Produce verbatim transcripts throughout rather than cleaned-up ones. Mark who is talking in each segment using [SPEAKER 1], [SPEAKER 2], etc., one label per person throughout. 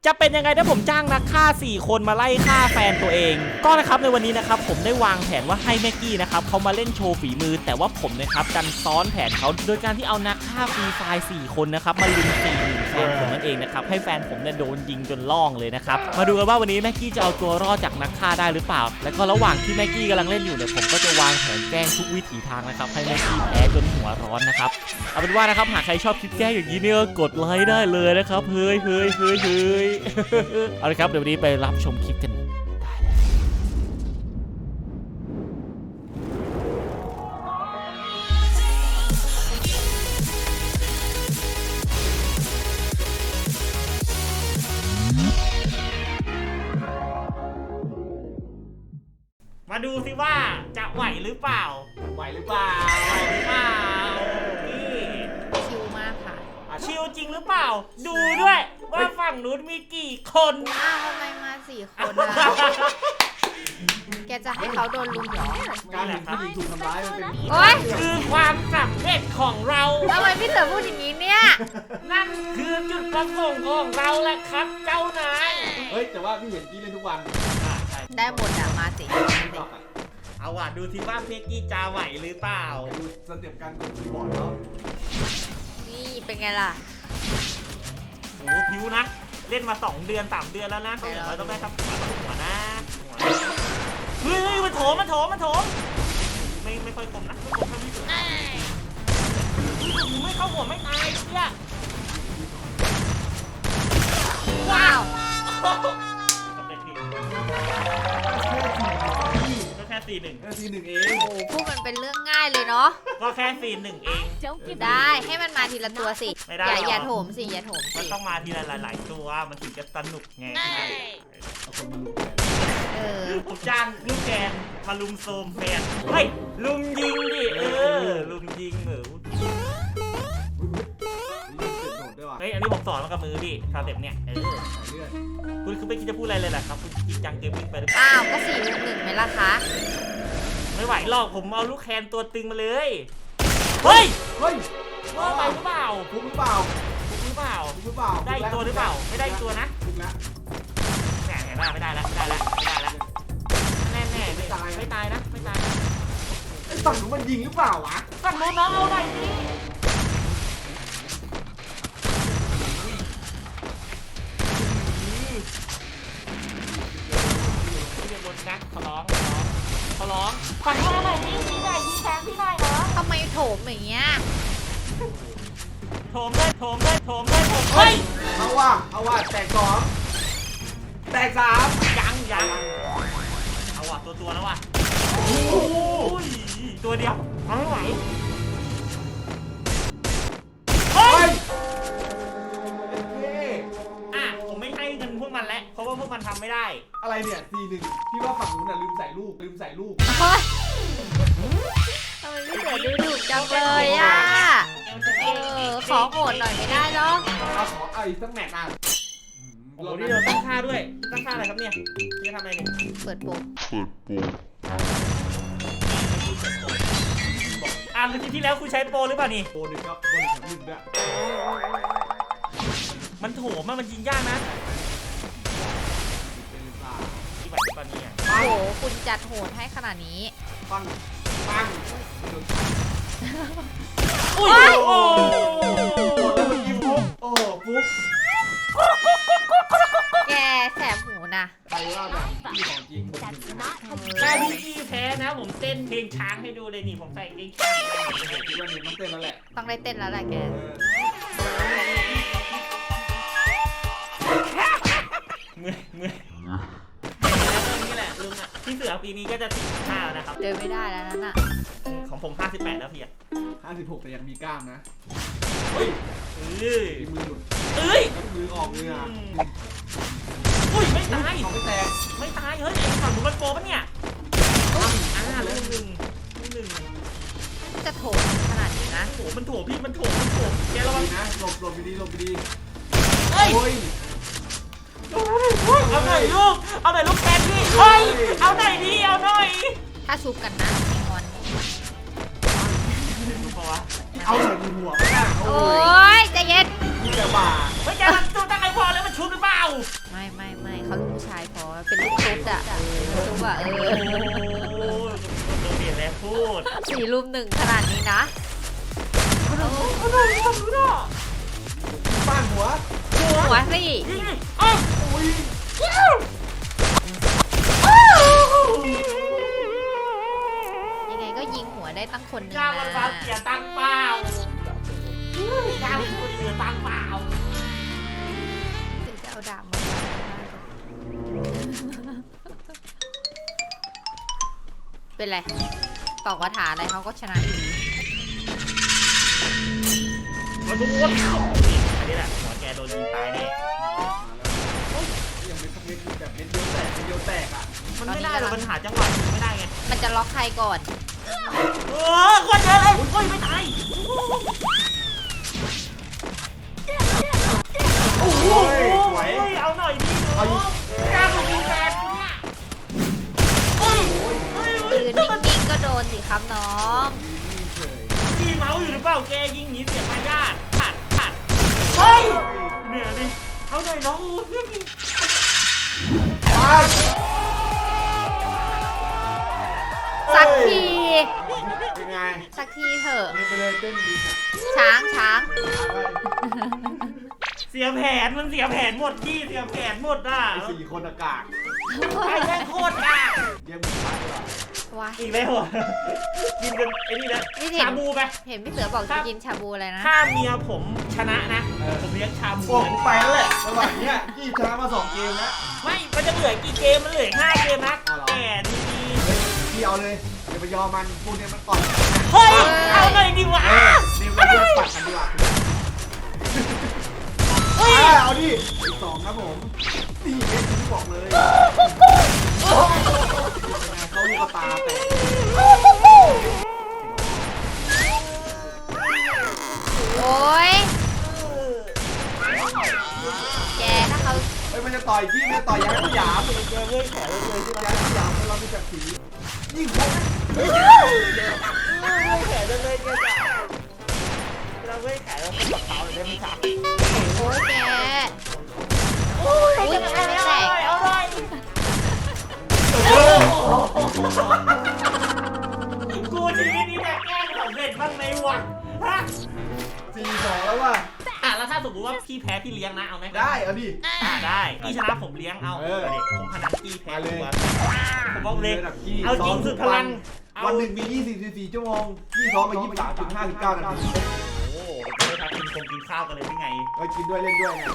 [SPEAKER 1] จะเป็นยังไงถ้าผมจ้างนักฆ่าสี่คนมาไล่ฆ่าแฟนตัวเองก็นะครับในวันนี้นะครับผมได้วางแผนว่าให้แม็กกี้นะครับเขามาเล่นโชว์ฝีมือแต่ว่าผมนะครับดันซ้อนแผนเขาโดยการที่เอานักฆ่าฟรีไฟล์สี่คนนะครับมาลุมตีแฟนผมนั่นเองนะครับให้แฟนผมเนี่ยโดนยิงจนล่องเลยนะครับมาดูกันว่าวันนี้แม็กกี้จะเอาตัวรอดจากนักฆ่าได้หรือเปล่าแล้วก็ระหว่างที่แม็กกี้กำลังเล่นอยู่เนี่ยผมก็จะวางแผนแกล้งทุกวิถีทางนะครับให้แม็กกี้แพ้จนหัวร้อนนะครับเอาเป็นว่านะครับหากใครชอบคลิปแกล้งอย่างนี้เนี่ยกดไลค์ได้เลยนะครับเฮ้ยเฮ้ยเฮ้ยเฮ้ยเอาละครับเดี๋ยววันนี้ไปรับชมคลิปกันได้มาดูสิว่าจะไหวหรือเปล่าไหวหรือเปล่าไหวหรือเปล่านี่
[SPEAKER 2] ชิลมากค่ะ
[SPEAKER 1] ชิลจริงหรือเปล่าดูด้วยว่าฝั่งนู้นมีกี่คน
[SPEAKER 2] อ้าวทำไมมาสี่คนอ่ะแกจะให้เขาโดนลุมเหรอ
[SPEAKER 3] การเห็นผู้หญิงถูกทำร้ายมันเป็น
[SPEAKER 2] โอ๊ย
[SPEAKER 1] คือความสำเร็จของเรา
[SPEAKER 2] ทำไมพี่เต๋อพูดอย่างนี้เนี่ย
[SPEAKER 1] นั่นคือจุดประสงค์ของเราแหละครับเจ้านาย
[SPEAKER 3] เฮ้ยแต่ว่าพี่เห็นกี้เล่นทุกวัน
[SPEAKER 2] ได้หมดอ่ะมาสิ
[SPEAKER 1] เอาว่ะดูสิว่าเพกกี้จะไหวหรือเปล่า
[SPEAKER 3] ดูสเต็ปการกดคีย์บอร์ดแล้ว
[SPEAKER 2] นี่เป็นไงล่ะ
[SPEAKER 1] โอ้ผิวนะเล่นมาสองเดือนสามเดือนแล้วนะเขาอย่างไรต้องได้ครับหัวนะเฮ้ยมันโถมมันโถมมันโถมไม่ไม่ค่อยคมนะไม่คมเท่าที่สุดไม่เข้าหัวไม่ตายเนี่ย
[SPEAKER 2] ว้าว
[SPEAKER 1] ก็แค่สี่หนึ่ง
[SPEAKER 3] แค่สี่หนึ่งเอง
[SPEAKER 2] โอ้พูดมันเป็นเรื่องง่ายเลยเนาะ
[SPEAKER 1] ก็แค่สี่หนึ่งเอง
[SPEAKER 2] ได้ให้มันมาทีละตัวสิอย่าอย่าโถมสิอย่าโถมสิ
[SPEAKER 1] มันต้องมาทีละหลายๆตัวมันถึงจะสนุกไง
[SPEAKER 3] เอาคนมาลุม
[SPEAKER 2] เออ
[SPEAKER 1] ผมจ้างลูกแกนมาลุมโซมแฟนเฮ้ยลุมยิงดิเออลุมยิงเหรอเฮ้ยอันนี้ผมสอนมากับมือดิคาเต็ปเนี่ยเออคุณคือไม่คิดจะพูดอะไรเลยแหละครับคุณจริงจังเกมมิ่งไปหรือเปล่า
[SPEAKER 2] อ้าวก็สี่ลุมหนึ่งไหมล่ะคะ
[SPEAKER 1] ไม่ไหวหรอกผมเอาลูกแคนตัวตึงมาเลยเฮ้ย
[SPEAKER 3] เฮ้ย
[SPEAKER 1] ว่าไปหรือเปล่า
[SPEAKER 3] ฟุกหรือเปล่า
[SPEAKER 1] ฟุกหรือเปล่า
[SPEAKER 3] ฟุกหรือเปล่า
[SPEAKER 1] ได้ตัวหรือเปล่าไม่ได้ตัวนะ
[SPEAKER 3] ฟุกแล้ว
[SPEAKER 1] แหมไม่ได้ไม่ได้แล้วไม่ได้แล้วไม่ได้แล้วแน่แน่ไม่ตายไม่ตายนะไม่ตาย
[SPEAKER 3] ไอ้ฝั่งนู้นมันยิงหรือเปล่าวะ
[SPEAKER 1] ฝั่งนู้นน้องเอาหน่อยสินะขอร้องขอร้องฝั่งนู้นหน่อยสิพี่หน่อยยิงแทงพี่หน่อยเนาะ
[SPEAKER 2] ทำไมโถมอย่างเงี้ย
[SPEAKER 1] โถมเลยโถมเลยโถมเลยโถมเฮ้ย
[SPEAKER 3] เอาว่ะเอาว่ะแตกสองแตกสาม
[SPEAKER 1] ยังยังเอาว่ะตัวตัวแล้วว่ะโอ้ยตัวเดียวเอาไม่ไหวเฮ้ยอ่ะผมไม่ให้เงินพวกมันแล้วเพราะว่าพวกมันทำไม่ได้
[SPEAKER 3] อะไรเนี่ยสี่หนึ่งพี่ว่าฝั่งนู้นน่ะลืมใส่ลูกลืมใส่ลูก
[SPEAKER 2] ทำไมพี่เต๋อดูดุจังเลยอ่ะเออขอโหดหน่อยไม่ได้หรอ
[SPEAKER 3] เอาขอเอาอีกสักแมตช์อ่ะ
[SPEAKER 1] โอ้โหนี่เราตั้งค่าด้วยตั้งค่าอะไรครับเนี่ยจะทำอะไรเนี่ย
[SPEAKER 2] เปิดโปร
[SPEAKER 1] เปิดโปรอ่าเมื่อกี้ที่แล้วคุณใช้โปรหรือเปล่านี่
[SPEAKER 3] โปรหนึ่งครับโปรหนึ่งหนึ่งด้วย
[SPEAKER 1] มันโถมมันยิงยากนะที่ไหวตอนนี้อ่ะ
[SPEAKER 2] โอ้โหคุณจัดโหดให้ขนาดนี้
[SPEAKER 3] ปังปัง
[SPEAKER 1] อุ้ยโอ้โห
[SPEAKER 3] แล้วเมื่อกี้ฟุ๊กโอ้โหฟุ๊ก
[SPEAKER 2] แกแสบหูนะ
[SPEAKER 3] ใครว่าแบบพี่ของจริง
[SPEAKER 1] ถ้าพี่กี้แพ้นะผมเต้นเพลงช้างให้ดูเลยนี่ผมใส่เพลงช้าง
[SPEAKER 3] คิดว่านี่ต้องเต้นแล้วแหละ
[SPEAKER 2] ต้องได้เต้นแล้วแหละแก
[SPEAKER 1] เมื่อยเมื่อยนี่แหละลุงอ่ะพี่เสือปีนี้ก็จะสิบห้านะครับ
[SPEAKER 2] เดินไม่ได้แล้วนั่นอ่ะ
[SPEAKER 1] ของผมห้าสิบแปดแล้วพี่อ่ะ
[SPEAKER 3] ห้าสิบหกแต่ยังมีกล้ามนะ
[SPEAKER 1] เฮ้ยเอ้ย
[SPEAKER 3] มือหลุด
[SPEAKER 1] เอ้ย
[SPEAKER 3] มือออกเลยอ่ะ
[SPEAKER 1] อุ้ยไม่ตาย
[SPEAKER 3] ไม่แตก
[SPEAKER 1] ไม่ตายเฮ้ยฝั่งผมมันโปรปะเนี่ยอ่าแล้วหนึ่งหนึ่ง
[SPEAKER 2] จะโถมขนาดนี้นะ
[SPEAKER 1] โอ้มันโถพี่มันโถมันโถแกระวัง
[SPEAKER 3] นะหลบหลบดีหลบดี
[SPEAKER 1] เฮ้ยเอาหน่อยลูกเอาหน่อยลูกแทนพี่เฮ้ยเอาหน่อยดิเอาหน่อย
[SPEAKER 2] ถ้าซุปกันนะมีงอน
[SPEAKER 3] เอาหน่อยดีหัวไม่ได้
[SPEAKER 2] โอ้ยใจเย็น
[SPEAKER 3] มีแต่บ่า
[SPEAKER 1] ไม่แกมันตัวตั้งไอ้พอแล้วมันชุบหรือเปล่า
[SPEAKER 2] ไม่ไม่ไม่เขาลูกผู้ชายพอเป็นลูกตุ๊ดอะเป็นลูกตุ๊ดอะเอ
[SPEAKER 1] โอ้
[SPEAKER 2] อ
[SPEAKER 1] โหเปลี่ยนแล้วพูด
[SPEAKER 2] สี่รุมหนึ่งขนาดนี้นะ
[SPEAKER 3] บ้านหัว
[SPEAKER 2] หัวสิ
[SPEAKER 3] อุ้ย
[SPEAKER 2] ยังไงก็ยิงหัวได้ตั้งคนหนึง
[SPEAKER 1] กล้า
[SPEAKER 2] นะ
[SPEAKER 1] มันเสียตังค์เปล่ากล้ามันเสียตังค์เปล่า
[SPEAKER 2] ถึงจะเอาดาบมาเป็นไรตอกกระถาอะไรเขาก็ชนะอยู่ดี
[SPEAKER 1] มาดูวอันนี้แหละหัวแกโดนยิงตายแน่
[SPEAKER 3] ยังไม่สักเม็ดแบบเม็ดเดียวแตกเม็ดเดียวแตกอ่ะ
[SPEAKER 1] มันไม่ได้หรอกมันหาจังหวะยิงไม่ได้ไง
[SPEAKER 2] มันจะล็อกใครก่อน
[SPEAKER 1] เออคนเยอะเลยเฮ้ยไม่ตายโอ้โหเอาหน่อยดิเอากล้ามายิงแฟนเนี่ยเฮ้ยเฮ้ย
[SPEAKER 2] ยืนนิ่งๆก็โดนสิครับน้อง
[SPEAKER 1] มีเมาส์อยู่หรือเปล่าแกยิงหนีเสียมารยาทผัดผัดเฮ้ยเนี่ยดิเอาหน่อยน้อง
[SPEAKER 2] สักที
[SPEAKER 3] เป็นไง
[SPEAKER 2] สักทีเถอะ
[SPEAKER 3] เล่นไปเลยเต้นดีค่ะ
[SPEAKER 2] ช้างช้าง
[SPEAKER 1] เสียแผนมันเสียแผนหมดที่เสียแผนหมดอ่ะ
[SPEAKER 3] ไอ้สี่คนอากาศ
[SPEAKER 1] ไอ้แม่งโคตรอ่ะ
[SPEAKER 3] เยี่ยมมากเลย
[SPEAKER 2] ว้าย
[SPEAKER 1] อีกแล้วเหรอกินกันไอ้นี่แล้ว
[SPEAKER 2] นี่เห็น
[SPEAKER 1] ชาบูไป
[SPEAKER 2] เห็นพี่เสือบอกจะกินชาบูอะไรนะ
[SPEAKER 1] ถ้าเมียผมชนะนะผมเลี้ยงชาบู
[SPEAKER 3] โอ้ผมไปแล้วแหละระหว่างเนี้ยพี่ชนะมาสองเกมแล้ว
[SPEAKER 1] ไม่มันจะเหลือกี่เกมมันเหลือห้าเกมนะแกดีดี
[SPEAKER 3] พี่เอาเลยอย่าไปยอมมันพวกเนี้ยมันต่อย
[SPEAKER 1] เฮ้ยเอาหน่อยดิวะ
[SPEAKER 3] เออนี่เราเลือกปัดกันดีกว่า
[SPEAKER 1] เฮ้ย
[SPEAKER 3] เอาดิอีกสองครับผมนี่เม็ดที่บอกเลยเขาลูกตาแตก
[SPEAKER 2] โอ้ยแกถ้าเขา
[SPEAKER 3] เฮ้ยมันจะต่อยพี่มันจะต่อยยันสยาม
[SPEAKER 1] เจอเว้ยแขนเลยใช่ไหม
[SPEAKER 3] ยันสยามเรามีจักรสียิ่งพก
[SPEAKER 1] เว้ยแขนเลยแกจ้ะเราเว้ยแขนเราเป็นกระเป๋าเลยได้ไหมครับ
[SPEAKER 2] โอ้ยแก
[SPEAKER 1] โอ้ยจะไม่แตกเอาหน่อยกูชีวิตนี้แต่แกล้งสำเร็จบ้างไหมวะฮะ
[SPEAKER 3] สี่สองแล้วว่ะ
[SPEAKER 1] อ่ะแล้วถ้าสมมติว่าพี่แพ้พี่เลี้ยงนะเอาไหม
[SPEAKER 3] ได้เอาดิ
[SPEAKER 1] อ่ะได้พี่ชนะผมเลี้ยงเอา
[SPEAKER 3] เออ
[SPEAKER 1] เด็กผมพนันพี่แพ้
[SPEAKER 3] มาเลย
[SPEAKER 1] ตัวผมบอกเลย
[SPEAKER 3] ระดับพี่
[SPEAKER 1] เอาจริงสุดพลังเอา
[SPEAKER 3] วันหนึ่งมียี่สิบสี่ชั่วโมงพี่ซ้อมมายี่สิบสามจุดห้าสิบเก้านาที
[SPEAKER 1] โอ้โหไม่ทำกินคงกินข้าวกันเลยหรือไง
[SPEAKER 3] เอ้ยกินด้วยเล่นด้วยไง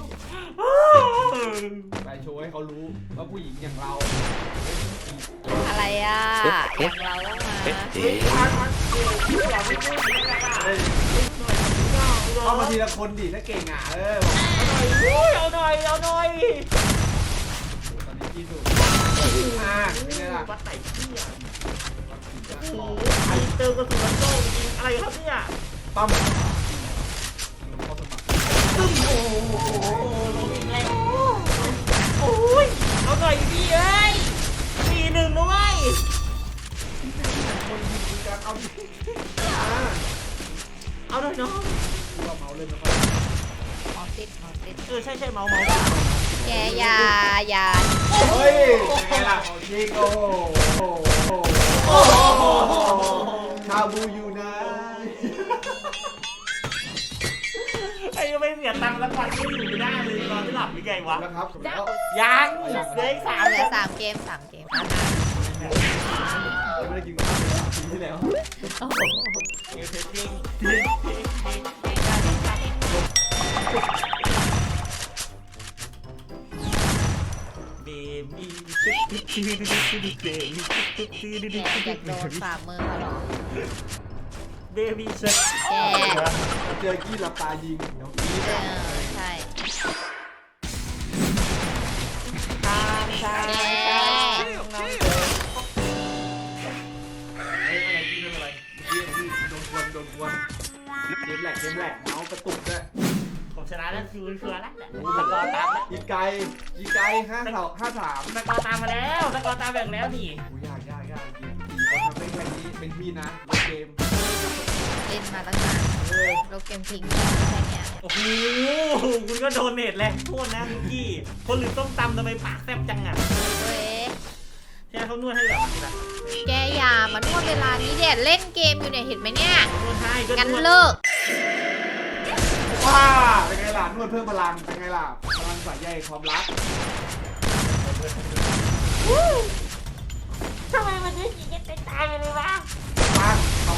[SPEAKER 3] ไปโชว์ให้เขารู้ว่าผู้หญิงอย่างเรา
[SPEAKER 2] อะไรอ่ะอย่างเราต้องมา
[SPEAKER 3] เฮ้ยเข้ามาทีละคนดิถ้าเก่งอ่ะเออ
[SPEAKER 1] เอาหน่อยเอาหน่อย
[SPEAKER 3] ตอนนี้ที่สุดอ่าเป็นไงล่ะ
[SPEAKER 1] วัดไหนพี่อ่ะไอเติมกระสุนโต้จริงอะไรครับเนี่ย
[SPEAKER 3] ปั๊มเขาสมัคร
[SPEAKER 1] ตึ้งโอ้โหลงอีกแล้วโอ้ยเอาหน่อยพี่เอ้ยสี่หนึ่งด้วย
[SPEAKER 3] คนยิงการเอาดิอ่า
[SPEAKER 1] เอาหน่อยน้อง
[SPEAKER 3] เราเมาเล่นแล้วก็
[SPEAKER 2] หมอติดหมอติด
[SPEAKER 1] เออใช่ใช่เมาเมา
[SPEAKER 2] แกอย่าอย่า
[SPEAKER 3] เฮ้ยเป็นไงล่ะของจริงโอ้โหโอ้โหชาบูอยู่นะ
[SPEAKER 1] ไอ้ยังไม่เสียตังค์แล้ววันก็อยู่ไม่ได้เลยนอนไม่หลับหรือไงวะ
[SPEAKER 3] แล้วครับแล้ว
[SPEAKER 1] ยังเหลืออีกสาม
[SPEAKER 2] เหลือสามเกมสามเกม
[SPEAKER 3] ไม่ได้กินข้าวเลยปีที่แล้ว
[SPEAKER 2] โอ้โห
[SPEAKER 1] เอฟจริงเบบี้
[SPEAKER 2] แกอยากโดนฝ่ามือเขาเหรอ
[SPEAKER 1] เบบี้เซ็ต
[SPEAKER 2] แก
[SPEAKER 3] เจอกี้หลับตายิงเดี๋ยวกี้
[SPEAKER 2] เออใช่
[SPEAKER 1] ตามตาม
[SPEAKER 2] แก
[SPEAKER 3] เฮ้ยอะไรกี้เป็นอะไรเมื่อกี้โดนควนโดนควนเกมแหลกเกมแหลกเมาส์กระตุกด้วย
[SPEAKER 1] ผมชนะแล้วคือเคือแล้วสกอร์ตามแล้ว
[SPEAKER 3] อีไกอีไกห้าสองห้าสาม
[SPEAKER 1] สกอร์ตามมาแล้วสกอร์ตามแบ่งแล้วนี่
[SPEAKER 3] โอ้ยยากยากยากจริงเขาทำได้แค่นี้เป็นพี่นะเกม
[SPEAKER 2] เล่นมาตั้งนานโลกเกมทิ้งอะไรเงี้ย
[SPEAKER 1] โอ้โหคุณก็โดนเนตแรงโทษนะคุณกี้คนหรือต้มตำทำไมปากแซ่บจังอ่ะ
[SPEAKER 2] เว้ย
[SPEAKER 1] ใช่เขานวดให้แบบนี้ละ
[SPEAKER 2] แกอย่ามานวดเวลานี้เด็ดเล่นเกมอยู่เนี่ยเห็นไหมเนี่ย
[SPEAKER 1] นวดให้ก็
[SPEAKER 2] งั้น
[SPEAKER 1] นวด
[SPEAKER 2] เลิก
[SPEAKER 3] ว้าเป็นไงล่ะนวดเพิ่มพลังเป็นไงล่ะพลังสายใยความรัก
[SPEAKER 1] ทำไมมันถึงยิงกันตายไปเลยวะ
[SPEAKER 3] ปังเอา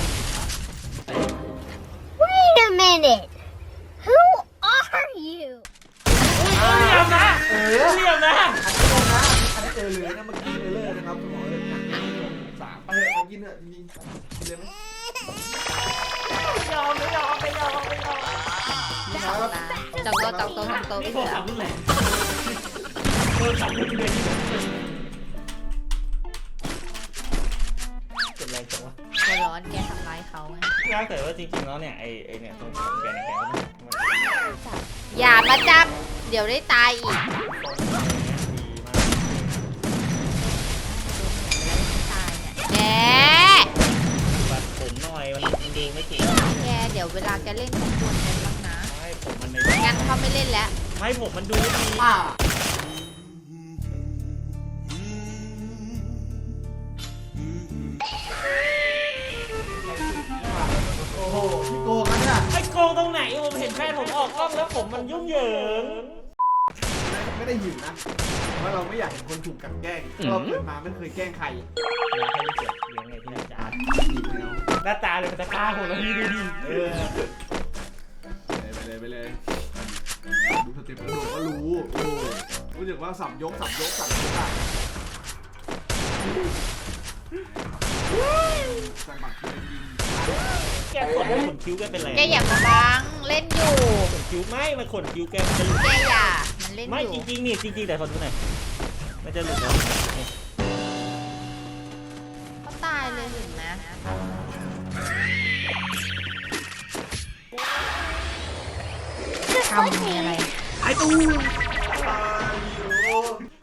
[SPEAKER 4] Wait a minute. Who are you?
[SPEAKER 1] เหลี่ยมนะ
[SPEAKER 3] เออ
[SPEAKER 1] เหลี่ยมนะ
[SPEAKER 3] อันนี้เออเลยนะเมื่อกี้เออเลยนะครับหมอเลยหนักสามไปเลยเอากินเถอะจริงๆกินเลยไหม
[SPEAKER 1] ยอมไม่ยอมไม่ยอมไม่ยอม
[SPEAKER 3] ครับ
[SPEAKER 2] จองโต๊ะจองโต๊ะจองโต๊ะ
[SPEAKER 1] นี่
[SPEAKER 2] พี่
[SPEAKER 1] โทร
[SPEAKER 2] เสือ
[SPEAKER 1] ศัพท์รุ่นแรงโทรศัพท์รุ่นเดียวที่เป็นแรงจังวะ
[SPEAKER 2] หัวร้อนแกทำร้ายเขาไง
[SPEAKER 1] ถ้าเกิดว่าจริงๆแล้วเนี่ยไอไอเนี่ยตรงของแกเนี่ยแกก็มัน
[SPEAKER 2] อย่ามาจับเดี๋ยวได้ตายอีก
[SPEAKER 1] ดีมาก
[SPEAKER 2] ตายเนี่ยแก
[SPEAKER 1] บัดผมหน่อยมันมันดูไม่ถูก
[SPEAKER 2] แกเดี๋ยวเวลาแกเล่นของควรกันบ้างนะ
[SPEAKER 1] ไม่ผมมันใน
[SPEAKER 2] งั้นเขาไม่เล่นแล้ว
[SPEAKER 1] ไม่ผมมันดูดี
[SPEAKER 3] ป้าโอ้โหพี่โกงนะเนี่ย
[SPEAKER 1] ไอ้โกงตรงไหนผมเห็นแฟนผมออกกล้องแล้วผมมันยุ่งเหยิง
[SPEAKER 3] ไม่ได้หิวนะเพราะเราไม่อยากเห็นคนถูกกลั่นแกล้งเราเกิดมาไม่เคยแกล้งใคร
[SPEAKER 1] อยากให้เกียรติเลี้ยงไงที่หน้าตา
[SPEAKER 3] ดีไปแล้ว
[SPEAKER 1] หน้าตาเลยมันจะกล้าผมแล้วพี่ดูดิเออ
[SPEAKER 3] ไปเลยไปเลยดูสเต็ปกระโดดก็รู้โอ้รู้สึกว่าสับยกสับยกสับยกอะสั่งบัตรคือยิง
[SPEAKER 1] แกขนขนคิ้วแกเป็นไร
[SPEAKER 2] แกอย่ามาบังเล่นอยู่
[SPEAKER 1] ขนคิ้วไม่มันขนคิ้วแกมันจะหลุด
[SPEAKER 2] แกอย่ามันเล่น
[SPEAKER 1] ไม่
[SPEAKER 2] อยู่
[SPEAKER 1] จริงๆนี่จริงๆแต่ขอดูหน่อยมันจะหลุดแล้ว
[SPEAKER 2] เขาตายเลยเห็นไหมทำมีอะไร
[SPEAKER 3] ไอ้ตู้ตายอยู่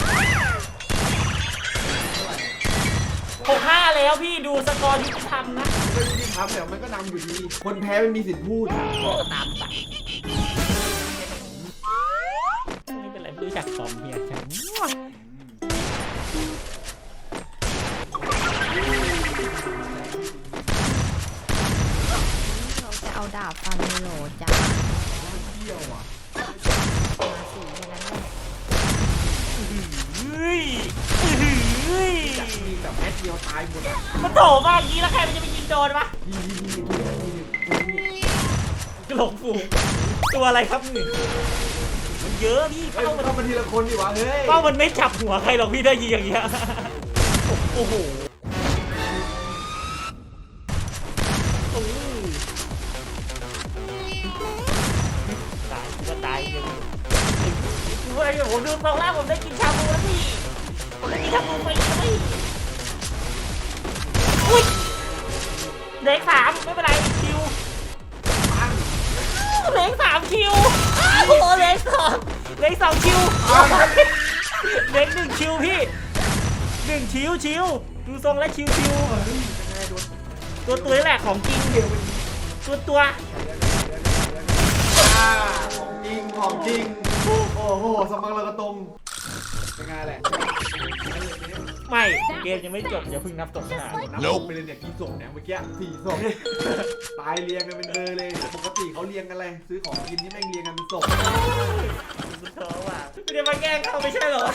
[SPEAKER 1] หกห้าแล้วพี่ดูสกอร์ยุติธรรมนะ
[SPEAKER 3] ก็ยิงทำแต่มันก็นำอยู่ดี คนแพ้ไม่มีสิทธิ์พูด
[SPEAKER 1] ตามสั่งไม่เป็นไรไม่รู้จักฟอร์มเฮียจัง
[SPEAKER 2] เราจะเอาดาบฟันเลยโหลจ้า
[SPEAKER 3] เที่ยวอ่ะ
[SPEAKER 2] มาสีแค่นั้นแหละ
[SPEAKER 1] เฮ้ยเฮ้ย
[SPEAKER 3] อยากมีแบบแม็ดเดียวตายหมดอ่ะ
[SPEAKER 1] มันโถมากอย่างนี้แล้วใครมันจะไปยิงโดนวะ
[SPEAKER 3] ยิงยิงยิงยิงยิง
[SPEAKER 1] กระโหลกฟูตัวอะไรครับนี่มันเยอะพี่
[SPEAKER 3] เฮ้ย
[SPEAKER 1] เป้า
[SPEAKER 3] มั
[SPEAKER 1] มัน น
[SPEAKER 3] ต้องมาทีละคนดิวะเฮ้ย
[SPEAKER 1] เป้ามันไม่จับหัวใครหรอกพี่ถ้ายิงอย่างเงี้ยโอ้โหโอ้ยตายก็ตายเลยดูอะไรอยู่ผมดูตรงแล้วผมได้กินชาบูแล้วพี่ผมได้กินชาบูไปเลยอุ้ยเหลือสามไม่เป็นไรคิวเหลือสามคิวโอ้โหเหลือสองเหลือสองคิวเหลือหนึ่งคิวพี่หนึ่งชิวชิวดูทรงแล้วชิวชิวตัวตัวนี่แหละของจริงตัวตัว
[SPEAKER 3] อ่าของจริงของจริงโอ้โหสมังเรากระตรงเป็นไงแหละ
[SPEAKER 1] ไม่เกมยังไม่จบอย่าเพิ่งนับตกขนาด
[SPEAKER 3] นับไปเลยเนี่ยกี่ศพเนี่ยเมื่อกี้สี่ศพตายเรียงกันเป็นเบอร์เลยปกติเขาเรียงกันเลยซื้อของกินนี่แม่งเรียงกันเป็นศพ
[SPEAKER 1] คุณท้อว่ะไม่ได้มาแกล้งเขาไม่ใช่เหรอ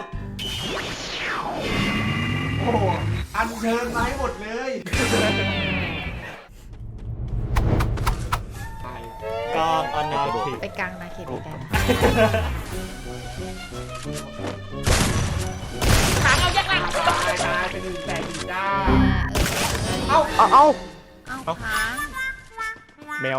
[SPEAKER 3] โอ้โหอันเชิญมาให้หมดเลยตาย
[SPEAKER 1] กองออนไลน์
[SPEAKER 2] ไปกลางนาเขตไปกัน
[SPEAKER 1] ถามเอายักษ์ละ
[SPEAKER 3] ตายตายเป็นหนึ่งแสนอีกจ้า
[SPEAKER 2] เอ้า
[SPEAKER 3] เอ้าเอ้า
[SPEAKER 2] เอ้าค้าง
[SPEAKER 5] แมว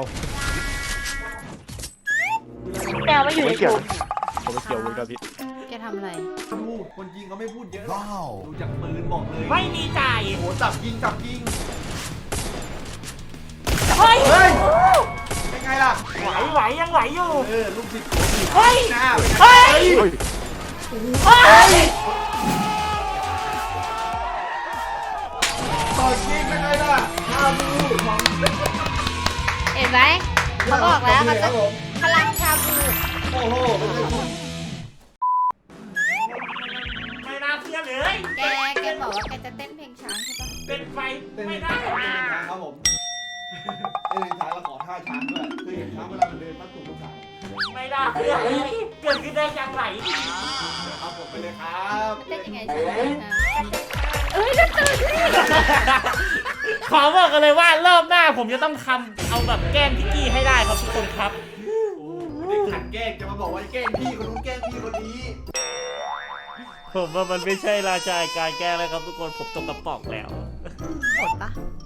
[SPEAKER 4] แมวไม่อยู่ใน
[SPEAKER 5] ไม่
[SPEAKER 4] ก
[SPEAKER 5] เกี่ยว
[SPEAKER 4] ลุ่ม
[SPEAKER 5] ผมไม่เกี่ยวเลยครับพี่
[SPEAKER 2] แกทำอะไร
[SPEAKER 3] ดูคนยิงเขาไม่พูดเยอะดูจากปืนบอกเลย
[SPEAKER 1] ไม่มีจ่าย
[SPEAKER 3] โหจับยิงจับยิง
[SPEAKER 1] เฮ้ย
[SPEAKER 3] เฮ้ยเป็นไงล่ะ
[SPEAKER 1] ไหวไหวยังไหวอยู่
[SPEAKER 3] เออลูกศิษย์โกบี
[SPEAKER 1] เฮ้ย
[SPEAKER 3] หน้า
[SPEAKER 1] เฮ้ย
[SPEAKER 5] เฮ้ย
[SPEAKER 1] เฮ้ย
[SPEAKER 3] ต่อยยิงเป็นไงล่ะหน้าบูของ
[SPEAKER 2] เห็นไหมเขาบอกแล้วเขาจะพลังชาบู
[SPEAKER 3] โอ้โหเป็นไงคุณ
[SPEAKER 1] ไม่น่าเชื่อเลย
[SPEAKER 2] แกแกบอกว่าแกจะเต้นเพลงช้างใช่ปะ
[SPEAKER 1] เป็นไฟ
[SPEAKER 3] เต้น
[SPEAKER 1] ไม่
[SPEAKER 3] เป็น
[SPEAKER 1] ได้
[SPEAKER 3] ช้างครับผมเต้นเป็นช้างแล้วขอท่าช้างด้วยคือเห็นช้างเวลามันเดินมาถูกลูกสาว
[SPEAKER 1] ไม่น่าเชื่อเลยเกิดขึ้นได้อย่างไร
[SPEAKER 3] ครับผมไปเลยครับ
[SPEAKER 2] เต้นยังไงช้างนะเอ้ยจะตื่น
[SPEAKER 1] ขอบอกกันเลยว่ารอบหน้าผมจะต้องทำเอาแบบแกล้งพี่กี้ให้ได้ครับทุกคนครับ
[SPEAKER 3] โอ้ไม่ได้ขัดแกล้งจะมาบอกว่าแกล้งพี่คนนู้นแกล้งพี่คนนี้
[SPEAKER 1] ผมว่ามันไม่ใช่ราชาการแกล้งแล้วครับทุกคนผมตกกระป๋องแล้ว
[SPEAKER 2] หมดปะ